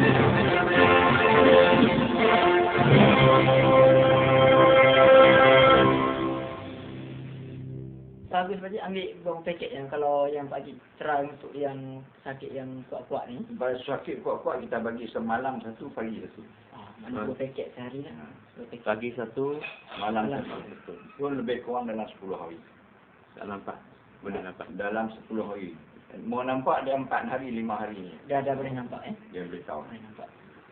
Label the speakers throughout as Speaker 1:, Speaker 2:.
Speaker 1: Bagus Pakcik ambil berapa paket yang kalau yang Pakcik try untuk yang sakit yang kuat-kuat ni.
Speaker 2: Kalau sakit kuat-kuat kita bagi semalam satu, pagi satu.
Speaker 1: Mana 2 paket sehari lah. 2 paket.
Speaker 3: Pagi satu,
Speaker 2: Malam satu. Itu lebih kurang dalam 10 hari.
Speaker 3: tak nampak. Boleh nampak.
Speaker 2: Dalam 10 hari. Mau nampak dia 4 hari, 5 hari ni.
Speaker 1: Dah boleh nampak
Speaker 2: Dia boleh tahu.
Speaker 1: Boleh nampak.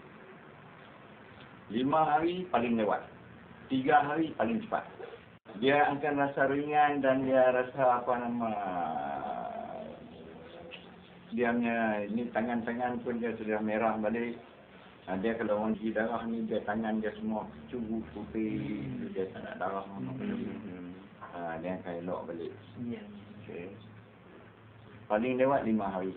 Speaker 2: 5 hari paling lewat. 3 hari paling cepat. Dia akan rasa ringan dan dia rasa dia punya ni tangan-tangan pun dia sudah merah balik. Dia kalau orang gigi darah ni dia tangan dia semua curut putih, dia tak nak darah mana pun. Dia akan elok balik.
Speaker 1: Ya.
Speaker 2: Okay. Paling lewat 5 hari.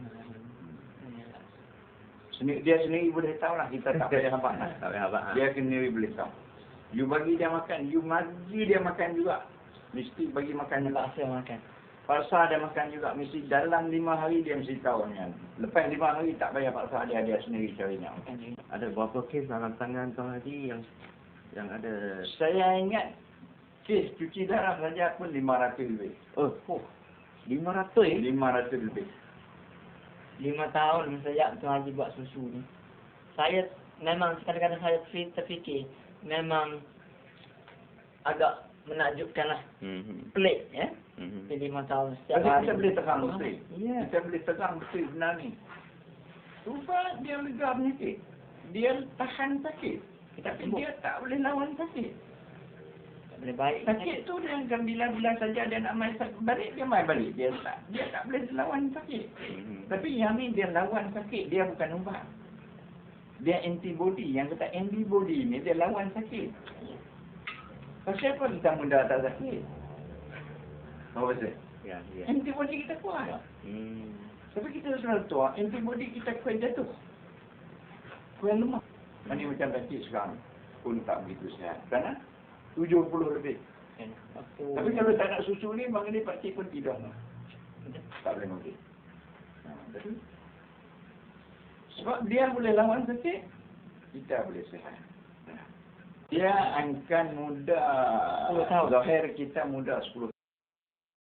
Speaker 2: Dia sendiri boleh tahu lah, kita tak payah habaq lah.
Speaker 3: Tak payah habaq.
Speaker 2: Dia sendiri boleh tahu. You bagi dia makan, you bagi dia makan juga. Mesti bagi makan juga.
Speaker 1: Paksa makan.
Speaker 2: Paksa dia makan juga. Mesti dalam 5 hari dia mesti tahu kan. Lepas 5 hari tak payah paksa dia sendiri cari nak makan.
Speaker 3: Ada berapa kes dalam tangan Tuan Haji yang ada?
Speaker 2: Saya ingat kes cuci darah saja pun 500 lebih.
Speaker 3: Oh, 500
Speaker 2: 500 lebih.
Speaker 1: 5 tahun sejak Tuan Haji buat susu ni. Saya memang kadang-kadang saya terfikir memang agak menakjubkan lah. Pelik ya. 5 tahun setiap hari.
Speaker 2: Kita boleh tegang betul.
Speaker 1: Ya.
Speaker 2: Kita boleh tegang betul benar ni. Cuba dia lega penyakit. Dia tahan sakit. Tapi dia tak boleh lawan sakit.
Speaker 1: Tak boleh baik.
Speaker 2: Sakit tu dia akan bila-bila saja dia nak main balik, dia main balik. Dia tak boleh lawan sakit. Tapi yang ni dia lawan sakit, dia bukan ubat. Dia antibody. Yang kata antibody ni dia lawan sakit. Pasal apa kita muda tak sakit? Apa pasal?
Speaker 3: Ya.
Speaker 2: Antibody kita kuat. Tapi kita selalu tua, antibody kita kuat jatuh. Kuat lemah. Ini macam sakit sekarang pun tak begitu sihat. Kerana 70 lebih. Tapi kalau tak nak susu ni, bang ni pakcik pun tidak. Tak boleh mati. Betul? Sebab dia boleh lawan sakit, kita boleh sihat. Dia akan muda, zahir kita muda 10